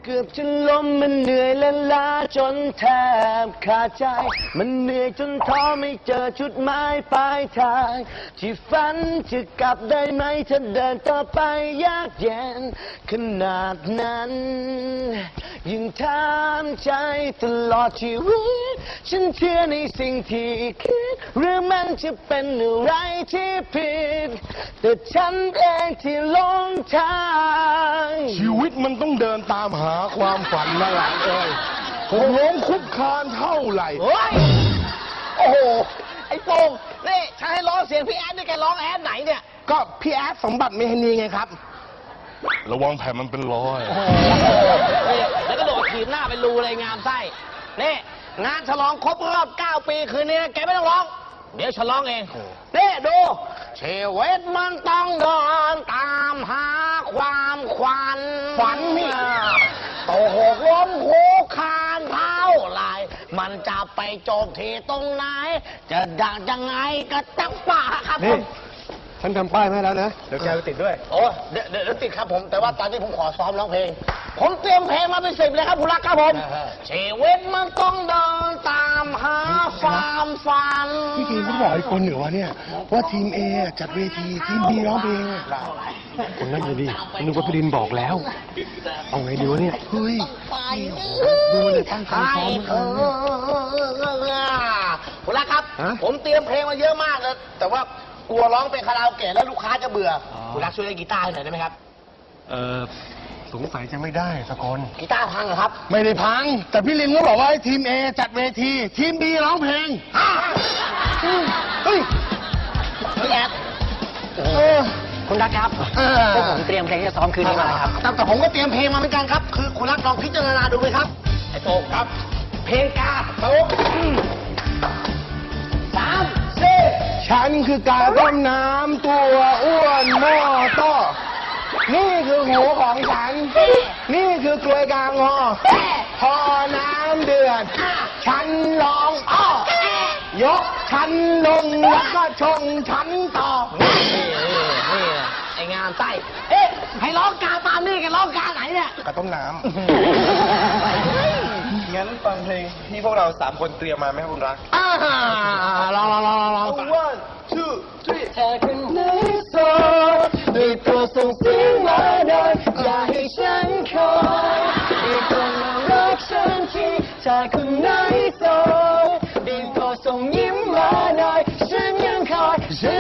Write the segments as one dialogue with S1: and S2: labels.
S1: เกือบจะล้มมันเหนื่อยและล้าจนแทบขาดใจมันเหนื่อยจนท้อไม่เจอจุดหมายปลายทางที่ฝันจะกลับได้ไหมถ้าเดินต่อไปยากเย็นขนาดนั้นยิ่งถามใจตลอดชีวิตฉันเชื่อในสิ่งที่คิดหรือมันจะเป็นอะไรที่ผิดแต่ฉันเองที่หลงทาง
S2: ชีวิตมันต้องเดินตามหาความฝันนะหลานเอ้ยผมล้มคุกคานเท่าไหร่
S1: โอ้โหไอ้โป่งนี่ฉันให้ร้องเสียงพี่แอดนี่แกร้องแอดไหนเนี่ย
S2: ก็พี่แอดสมบัติเมธานีไงครับระวังแผ่นมันเป็นรอย
S1: แล้วก็โดดถีบหน้าเป็นรูเลยงามไส้นี่งานฉลองครบรอบ9 ปีคืนนี้แกไม่ต้องร้องเดี๋ยวฉันร้องเองนี่ดูชีวิตมันต้องเดินตามหาความฝันนี่โตหกล้มโคคานเท่าไรมันจะไปจบที่ตรงไหนจะดังยังไงก็ตั้งป่าครับผม
S2: ฉันทำป้ายให้แล้วนะเดี๋ยวแกไปติดด้วย
S1: โอ้เดี๋ยวติดครับผมแต่ว่าตอนนี้ผมขอซ้อมร้องเพลงผมเตรียมเพลงมาเป็น10เลยครับคุณรักครับผมชีวิตมันต้องเดินตามหาความฝัน
S2: พี่ทีมเขาบอกไอ้คนเหนือวะเนี่ยว่าทีม A จัดเวทีทีม B ร้องเพลงคนนั้นเลยดินึกว่าพี่ดินบอกแล้วเอาไงดีวะเนี่ยเฮ้ยดูเลยตั้งใจซ้อม
S1: คุณรักครับผมเตรียมเพลงมาเยอะมากเลยแต่ว่ากลัวร้องเป็นคาราโอเกะแล้วลูกค้าจะเบื่อคุณรักช่วยเล่นกีตาร์ให้หน่อยได้ไหมครับ
S2: สงสัยจะไม่ได้สักคน
S1: กีตาร์พังเหรอครับ
S2: ไม่ได้พังแต่พี่ลินก็บอกว่าให้ทีม A จัดเวทีทีม B ร้องเพลง
S1: เฮ้ยพี่แอดคุณรักครับพวกผมเตรียมเพลงที่จะซ้อมคืนนี้มาครับแต่ผมก็เตรียมเพลงมาเหมือนกันครับคือคุณรักลองพิจารณาดูไหมครับไอ้โต้ครับเพลงกาโต้3 4
S2: ฉันคือกาต้มน้ำตัวอ้วนหม้อต้อนี่คือหูของฉันนี่คือกลวยกลางหอพอน้ำเดือดฉันร้องอ้อยกฉันลงแล้วก็ชงฉันต่อ
S1: นี่ไอ้งามไส้ให้ร้องกาตามนี่กันร้องกาไหนเนี่ย
S2: กาต้มน้ำ
S3: งั้นฟังเพลงที่พวกเรา3 คนเตรียมมาไหมครับคุณรัก
S1: ลอง
S3: 1 2 3
S1: เธอคนไหนโสดได้โปรดส่งเสียงมาหน่อยอย่าให้ฉันคอยได้โปรดมารักฉันทีเธอคนไหนโสดได้โปรดส่งยิ้มมาหน่อยฉันยังคอยเธอ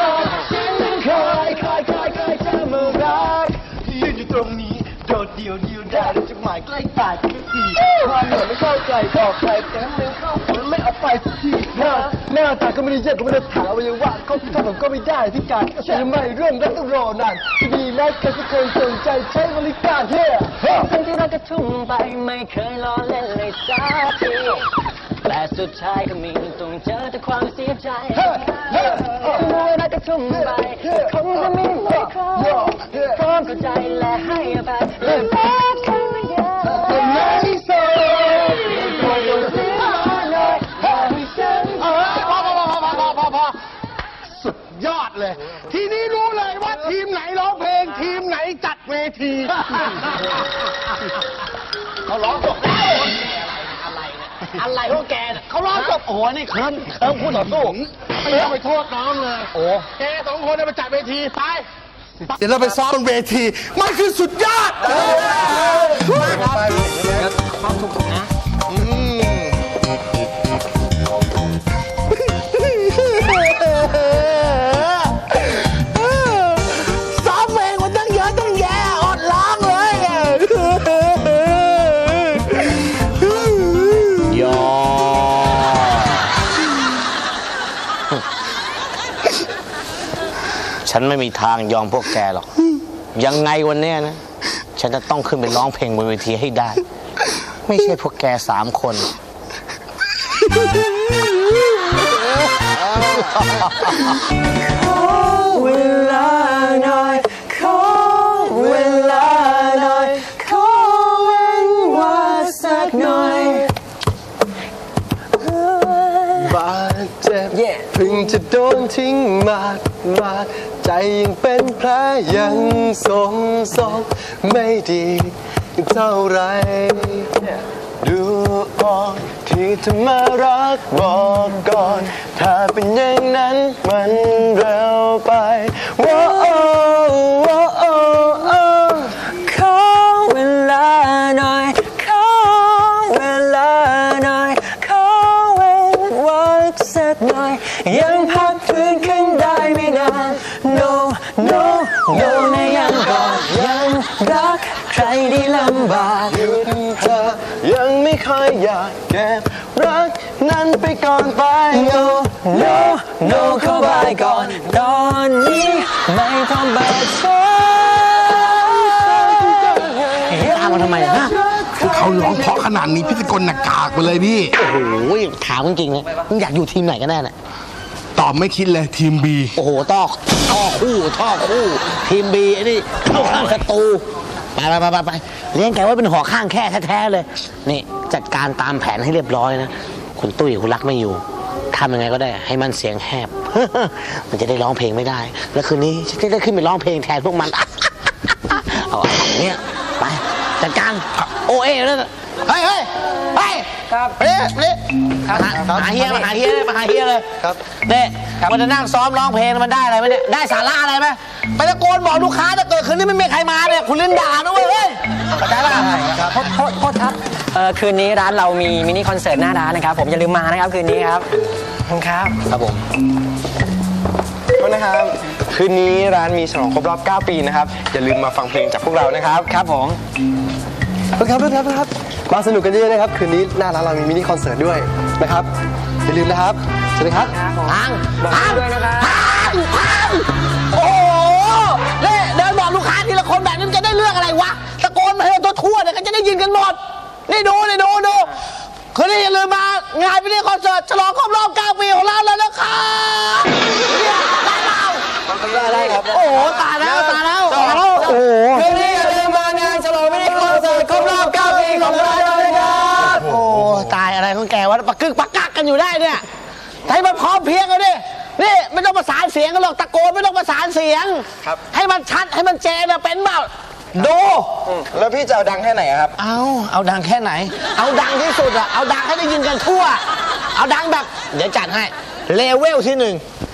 S1: มารัก
S3: ยืนอยู่ตรงนี้โดดเดี่ยวได้ด้วยจุดหมายใกล้ปากทุกทีความเหนื่อยไม่เข้าใจบอกใครแต่เดินเข้ามันไม่เอาไปสักทีหน้าตาก็ไม่ได้เยอะก็ไม่ได้ถามว่าว่าเขาทำผมก็ไม่ได้ที่การฉันไม่เรื่องรักต้องรอนานดีนักใครสักคนสนใจใช้บริการเท่
S1: ทั้งที่รักก็ทุ่มไปไม่เคยล้อเล่นเลยสักทีแต่สุดท้ายก็มีต้องเจอแต่ความเสียใจเมื่อรักก็ทุ่มไปคงจะไม่มีใครพร้อมเข้าใจและให้อภัยและแม้คำว่าอยาก
S2: เป็นไงโซ่
S1: พอ
S2: สุดยอดเลยทีนี้รู้เลยว่าทีมไหนร้องเพลงทีมไหนจัดเวที
S1: เขาร้องจบแล้วอะไรพวกแกเนี่ยเขาร้องจบโอ้โหนี่เคิร์มพูดต่อสู้
S2: ไม่ต้องไปโทษน้องเลย
S1: โอ้
S2: แก2 คนไปจัดเวทีไปเดี๋ยวเราไปซ้อมบนเวทีมันคือสุดยอดไป
S1: ความสุขนะ
S2: ซ้อมเพลงมันตั้งเยอะตั้งแยะอดร้องเลย
S1: ยอฉันไม่มีทางยอมพวกแกหรอกยังไงวันนี้นะฉันจะต้องขึ้นไปร้องเพลงบนเวทีให้ได้ไม่ใช่พวกแก3 คนเวลาหน่อยขอเวลาหน่อยขอเว้นว่าสักหน่อย
S3: บาดเจ็บเพิ่งจะโดนทิ้งมาใจยังเป็นแผลยังสมไม่ดีเท่าไรดูออกที่เธอมารักบอกก่อนถ้าเป็นอย่างนั้นมันเร็วไปว้าวขอเวลาหน่อยขอเวลาหน่อยขอเวลาสักหน่อยยังพักฟื้นขึ้นได้ไม่นาน no นะยังก่อนยังรักใครได้ลำบากอยู่เธอยังไม่ค่อยอยากเก็บรักนั้นไปก่อนไป no เข้าไปก่อนตอนนี้ไม่ต้องเบิดฟ้า
S1: ตามมาทำไมฮะ
S2: เขาร้องเพราะขนาดนี้พี่สกลหนักกากไปเลยพี่
S1: โอ้โหถามจริงๆเลยมึงอยากอยู่ทีมไหนกันแน่เนี่ย
S2: ตอบไม่คิดเลยทีม B
S1: โอ้โหท่อคู่ทีมบีไอ้นี่เข้าข้างศัตรูไปเลี้ยงแกไว้เป็นหอข้างแค่แท้ๆเลยนี่จัดการตามแผนให้เรียบร้อยนะคุณตุ้ยคุณรักไม่อยู่ทำยังไงก็ได้ให้มันเสียงแหบ มันจะได้ร้องเพลงไม่ได้แล้วคืนนี้ฉันจะได้ขึ้นไปร้องเพลงแทนพวกมัน เอาเนี่ยไปจัดการโอเอ๋นั่นเฮ้ยครับเนี่ยหาเฮียเลยมาหาเฮียเลยครับเนี่ยมันจะนั่งซ้อมร้องเพลงมันได้อะไรไหมเนี่ยได้สาระอะไรไหมไปตะโกนบอกลูกค้าถ้าเกิดคืนนี้ไม่มีใครมาเนี่ยคุณเล่นด่านะเว้ยเข้าใจป่ะ
S4: โทษครับคืนนี้ร้านเรามีมินิคอนเสิร์ตหน้าร้านนะครับผมอย่าลืมมานะครับคืนนี้ครับขอบคุณครับ
S1: ผม
S3: โทษนะครับคืนนี้ร้านมีฉลองครบรอบ 9 ปีนะครับอย่าลืมมาฟังเพลงจากพวกเรานะครับ
S4: ครับผม
S3: ครับมาสนุกกันเยอะๆนะครับคืนนี้หน้าร้านเรามีมินิคอนเสิร์ตด้วยนะครับอย่าลืมนะครับสวัสดีครับ
S4: บอกด้วยนะครับ
S1: โอ้โหเนี่ยเดินบอกลูกค้าทีละคนแบบนี้จะได้เรื่องอะไรวะตะโกนมาให้ทั่วเนี่ยก็จะได้ยินกันหมดนี่ดูคืนนี้อย่าลืมมางานมินิคอนเสิร์ตฉลองครบรอบ 9 ปีของเราแล้วนะครับเนี่ยได้เปล่า
S3: ได้ครับ
S1: โอ้โหตายแล้วโอ้โห
S3: คืนนี้อย่าลืมมางานฉลองมินิคอนเสิร์ตครบรอบ 9 ปีของเราเลยครับ
S1: โอ้ตายอะไรของแกวะปักกักกันอยู่ได้เนี่ยให้มันพร้อมเพียงกันดินี่ไม่ต้องประสานเสียงกันหรอกตะโกนไม่ต้องประสานเสียงให้มันชัดให้มันเจนเป็นเปล่าดู
S3: แล้วพี่จะเอาดังแค่ไหนครับ
S1: เอาดังแค่ไหนเอาดังที่สุดอะเอาดังให้ได้ยินกันทั่วเอาดังแบบเดี๋ยวจัดให้เลเวลที่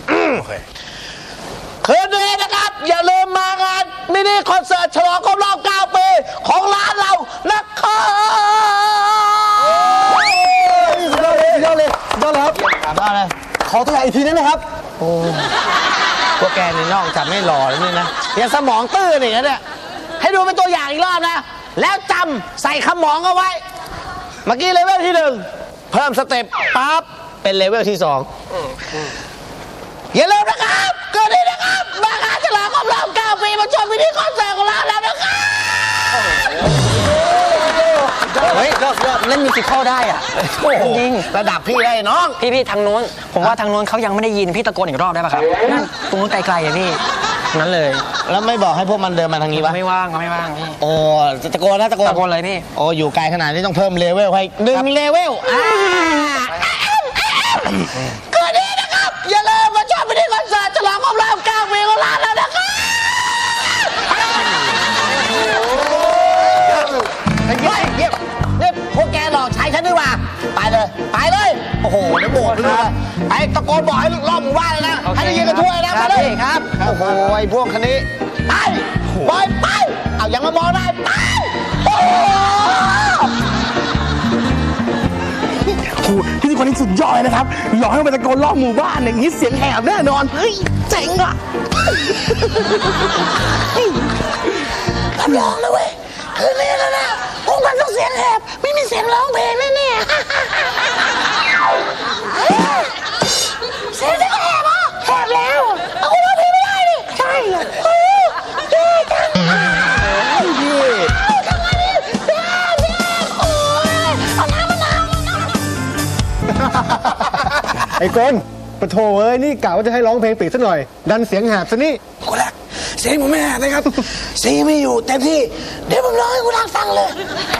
S1: 1คืนนี้นะครับอย่าลืมมางานมินิคอนเสิร์ตฉลองครบรอบ 9 ปีของร้านเรานะครับ
S3: ยอดเลยครับขอตัวอย่างอีกทีนั้นนะครับ
S1: โอ้พวกแกนี่นอกจากไม่หล่อแล้วนี่นะยังสมองตื้ออีกนะเนี่ยให้ดูเป็นตัวอย่างอีกรอบนะแล้วจำใส่ขมองเอาไว้เมื่อกี้เลเวลที่ 1เพิ่มสเต็ปปั๊บเป็นเลเวลที่ 2อย่าลืมนะครับคืนนี้นะครับมางานฉลองครบรอบ 9 ปีมาชมมินิคอนเสิร์ตของเราแล้วนะครับ
S4: เฮ้ยเล่นมิวสิคอลได้อ่ะจริง
S1: ระดับพี่ได้น้อง
S4: พี่ทางโน้นผมว่าทางโน้นเขายังไม่ได้ยินพี่ตะโกนอีกรอบได้ป่ะครับนั่นตรงนู้นไกลๆอ่ะพี่นั้นเลย
S1: แล้วไม่บอกให้พวกมันเดินมาทางนี้วะ
S4: ไม่ว่างพี่
S1: โอ้ตะโกน
S4: เลยพี่
S1: โอ้อยู่ไกลขนาดนี้ต้องเพิ่มเลเวลให้1 เลเวลคืนนี้นะครับอย่าลืมมาชมมินิคอนเสิร์ตฉลองครบรอบ 9 ปีของร้านแล้วนะครับเงียบพวกแกหลอกใช้ฉันดีกว่าไปเลยโอ้โหเดี๋ยวโบกเลยไปตะโกนบอกให้รอบหมู่บ้านเลยนะให้ได้ยินกันทั่วเลยนะไปเลยครับโอ้โหไอ้พวกคันนี้ไปเอายังมามองได้ไปโอ้
S2: โหพี่คนนี้สุดยอดเลยนะครับหลอกให้มันตะโกนรอบหมู่บ้านอย่างนี้เสียงแหบแน่นอนเฮ้ยเจ๋งอ่ะ
S1: รับรองเลยเว้ยคืนนี้แล้วนะพวกมันต้องเสียงแหบไม่มีเสียงร้องเพลงแน่เสียงจะแหบอ่ะแหบแล้วเอาคุณร้องเพลงไม่ได้ดิใช่จังทำไงดิโอ้ยเอาน้ำ
S2: ไอ้กนปะโถเอ้ยนี่กะว่าจะให้ร้องเพลงปิดซะหน่อยดันเสียงแหบซะนี่
S1: กูรักเสียงผมไม่แหบนะครับเสียงไม่อยู่เต็มที่เดี๋ยวผมร้องให้กูรักฟังเลย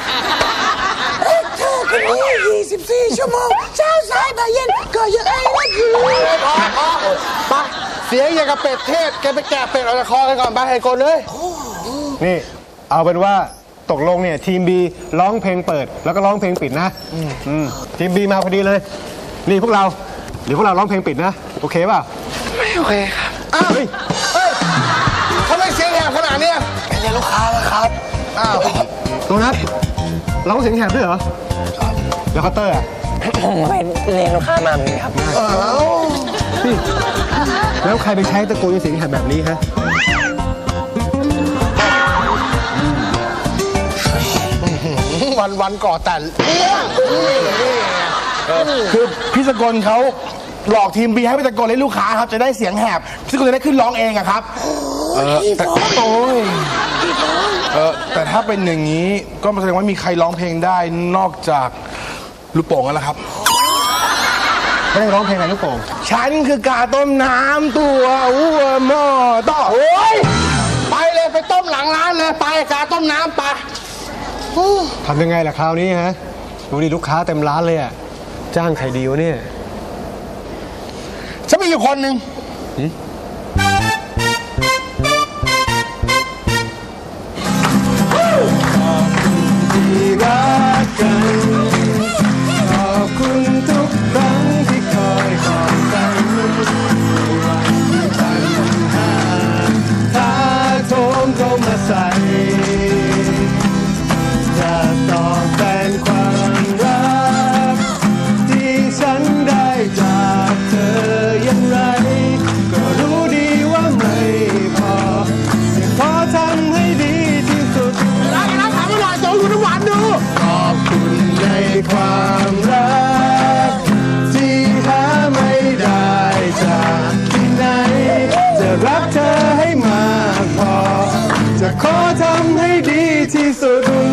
S1: เธอคนนี้24 ชั่วโมงเช้าสายบ่ายเย็นก็ยังไอ้รักอยู่พอไป
S2: เสียงอย่างกับเป็ดเทศแกไปแกะเป็ดออกจากคอกันก่อนไปไอ้คนเลย
S3: นี่เอาเป็นว่าตกลงเนี่ยทีม B ร้องเพลงเปิดแล้วก็ร้องเพลงปิดนะทีม B มาพอดีเลยนี่พวกเราเดี๋ยวพวกเราร้องเพลงปิดนะโอเคเปล่า
S2: ไม่โอเคครับอ้าวเฮ้ยทำไมเสียงแหบขนาดเนี้ยเป็นลูกค้าแล้วครับอ้าว
S3: โดนัทร้องเสียงแหบด้วยเหรอแล้วเคาน์เตอร์อ่ะ
S4: ผมไปเรียนลูกค้ามาเหมือนกันครับ
S3: นี่แล้วใครไปใช้ตะโกนเสียงแหบแบบนี้ฮะ
S2: วันก่อแต่คือพี่สกลเขาหลอกทีมบีให้พี่สกลเล่นลูกค้าครับจะได้เสียงแหบพี่สกลจะได้ขึ้นร้องเองอะครับแต่โอ้ยแต่ถ้าเป็นอย่างนี้ก็แสดงว่ามีใครร้องเพลงได้นอกจากลูกโป่งแล้วล่ะครับ
S3: ไม่ได้ร้องเพลงอะไรลูกโป่ง
S2: ฉันคือกาต้มน้ำตัวอ้วนหม้อต่อโอ้ยไปเลยไปต้มหลังร้านเลยไปกาต้มน้ำไป
S3: ทำยังไงล่ะคราวนี้ฮะดูดิลูกค้าเต็มร้านเลยอ่ะจ้างใครดีวะเนี่ย
S2: ฉันมีอยู่คนหนึ่งที่รักกันขอบคุณทุกครั้งที่คอยขอบกันวันที่ปัญหาท้าโถมเข้ามาใส่จะตอบแทนความรักที่ฉันได้จากเธออย่างไรก็รู้ดีว่าไม่พอจะขอทำให้ดีที่สุดรักถามอร่อยจงคุณน้ำหวานดูขอบคุณในความรักที่หาไม่ได้จากที่ไหนจะรักเธอให้มากพอจะขอทำให้ดีที่สุด